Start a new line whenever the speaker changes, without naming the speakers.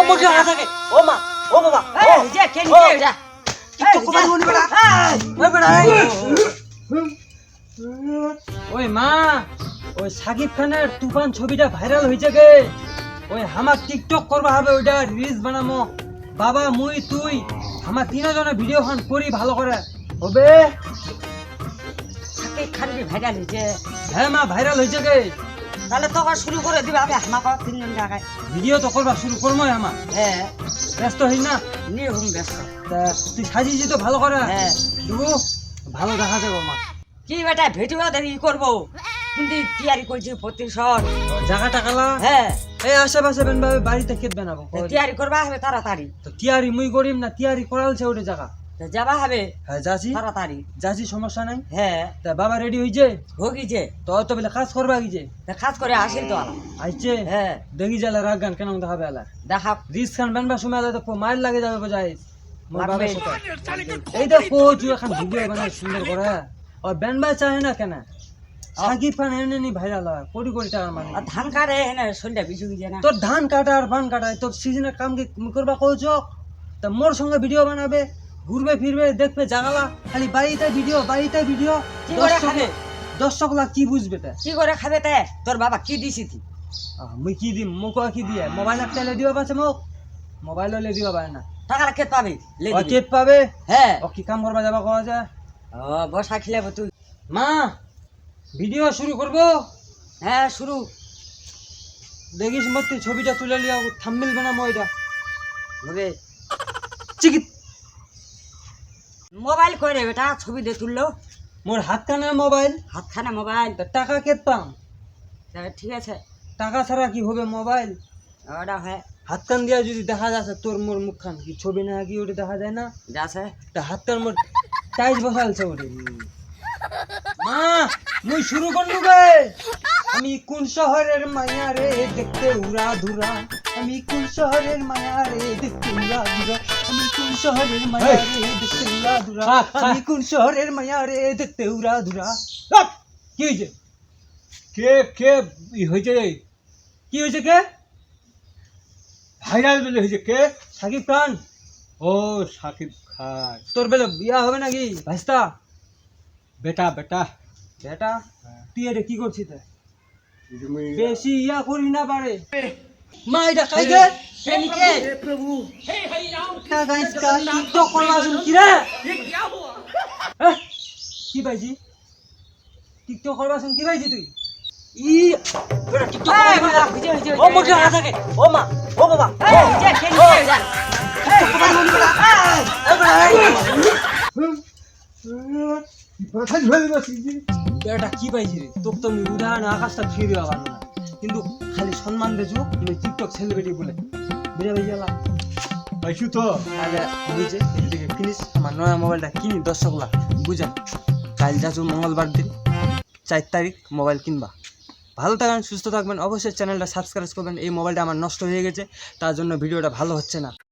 মুখ লাগা থাকে ও মা ও বাবা
এই যে কে নিচে যা
টিকটক কোবাই মনি বলা ওই বড়া
ওই মা ওই সাকিব খানের তুফান ছবিটা ভাইরাল হয়েছে গে ওই আমার টিকটক করবা হবে ওইটা রিলস বানামো বাবা মুই তুই আমার তিনজনে ভিডিও খান করি ভালো করে হবে
সাকিব খান ভাইরাল হয়েছে
হ্যাঁ মা ভাইরাল হয়েছে গে
তাহলে তো শুরু করে দিবা আমি আমাকে তিনজন টাকায়
ভিডিও তো করবা শুরু করবোই আমার
হ্যাঁ
ব্যস্ত হই না
নিয়ে হুম ব্যস্ত
তা তুই সাজিয়েছি তো ভালো করে
হ্যাঁ
দেবো ভালো দেখা যাবে মা
কি বেটা ভিডিও দেখি করবো কিন্তু তৈরি করছি প্রতিশোধ
জায়গা টাকালা
হ্যাঁ
এই আশেপাশে বেনভাবে বাড়িতে খেত বানাবো
তৈরি করবা হবে তাড়াতাড়ি
তো তিয়ারি মুই করিম না তিয়ারি করালছে ওটা জায়গা
তো যাবা হবে
হ্যাঁ যাচ্ছি
তাড়াতাড়ি
যাচ্ছি সমস্যা নাই
হ্যাঁ
তা বাবা রেডি হয়েছে
ভোগিছে
তো তো বলে কাজ করবা গিয়েছে
তা খাস করে আসিল তো আলা
আইছে
হ্যাঁ
দেখি যালে রাগ গান কেন দেখাবে আলা
দেখা
রিস খান বানবা সময় আলা তো মাইল লাগে যাবে বোঝাই মোর
লাগবে।
বাবার সাথে এই তো কোচ এখন ভিডিও বানাই সুন্দর করে আর বানবা চাহে না কেন সাকিব খান এনে নি ভাইরাল হয় কোটি কোটি টাকার মানে
আর ধান কাটে হ্যাঁ সন্ধ্যা বিছু গিয়ে না
তোর ধান কাটা আর বান কাটা তোর সিজনের কাম কি করবা কোচ তা মোর সঙ্গে ভিডিও বানাবে ঘুরবে ফিরবে দেখবে জাগালা খালি বাড়িতে ভিডিও
কি করে খাবে?
দর্শক লাখ কি বুঝবে তা
কি করে খাবে তে তোর বাবা কি দিছি তুই
মুই কি দিম মোক কি দিয়ে মোবাইল একটা লে দিবা পাছে মোক মোবাইল লে দিবা পারে না
টাকা কে পাবে লে
ও
দিবি।
কেট পাবে
হ্যাঁ
ও কি কাম করবা যাবা কোয়া যা
ও বসা খেলাবো তুই
মা ভিডিও শুরু করব
হ্যাঁ শুরু
দেখিস মত তুই ছবিটা তুলে লিয়া থাম্বনেল বানামো এটা
হবে
চিকিত
মোবাইল করে বেটা ছবি দিয়ে তুললো
মোর হাতখানা মোবাইল
হাতখানা মোবাইল
তা টাকা কেট পাম
তা ঠিক আছে
টাকা ছাড়া কি হবে মোবাইল
ওটা হয়
হাতখান দিয়া যদি দেখা যাচ্ছে তোর মোর মুখখান কি ছবি না কি ওটা দেখা যায় না
যাচ্ছে
তা হাতখান মোর টাইজ বসালছে ওটা মা মুই শুরু করলু গে আমি কোন শহরের মায়া রে দেখতে উড়া ধুরা আমি কোন শহরের মায়া রে দেখতে উড়া ধুরা আমি কোন শহরের মায়া রে দেখতে উড়া ধুরা আমি কোন শহরের মায়া রে দেখতে উড়া ধুরা কি হয়েছে
কে কে হয়েছে
কি হয়েছে কে
ভাইরাল বলে হয়েছে কে
সাকিব খান
ও সাকিব খান
তোর বেলে বিয়া হবে নাকি ভাইস্তা
বেটা বেটা
বেটা তুই এটা কি করছিস তা?
তুমি
বেশি ইয়া করি না পারে মা এটা খাই গে
প্রেমিকে
কা গাইস কা টিকটক করলা শুন কি রে এহ, কি পাইছি টিকটক করবা শুন কি পাইছি তুই ই
বড়া টিকটক
এই,
কোবাই মনি
ভিজে, ভিজে,
ও মুখ লাগা থাকে ও মা ও বাবা
এই যে কে নিচে যা
টিকটক কোবাই মনি বলা ওই বড়া
কথা ঝুলে বসি
এটা কি পাইছি রে তোক তো আমি উদাহরণ আকাশটা ফিরে আবার না কিন্তু খালি সম্মান দেছো তুমি টিকটক সেলিব্রিটি বলে বুঝা ভাই গেলা
পাইছু তো
তাহলে বুঝে এদিকে কিনিস আমার নয়া মোবাইলটা কিনি দর্শকলা বুঝা কাল যাচ্ছ মঙ্গলবার দিন 4 তারিখ মোবাইল কিনবা ভালো থাকবেন সুস্থ থাকবেন অবশ্যই চ্যানেলটা সাবস্ক্রাইব করবেন এই মোবাইলটা আমার নষ্ট হয়ে গেছে তার জন্য ভিডিওটা ভালো হচ্ছে না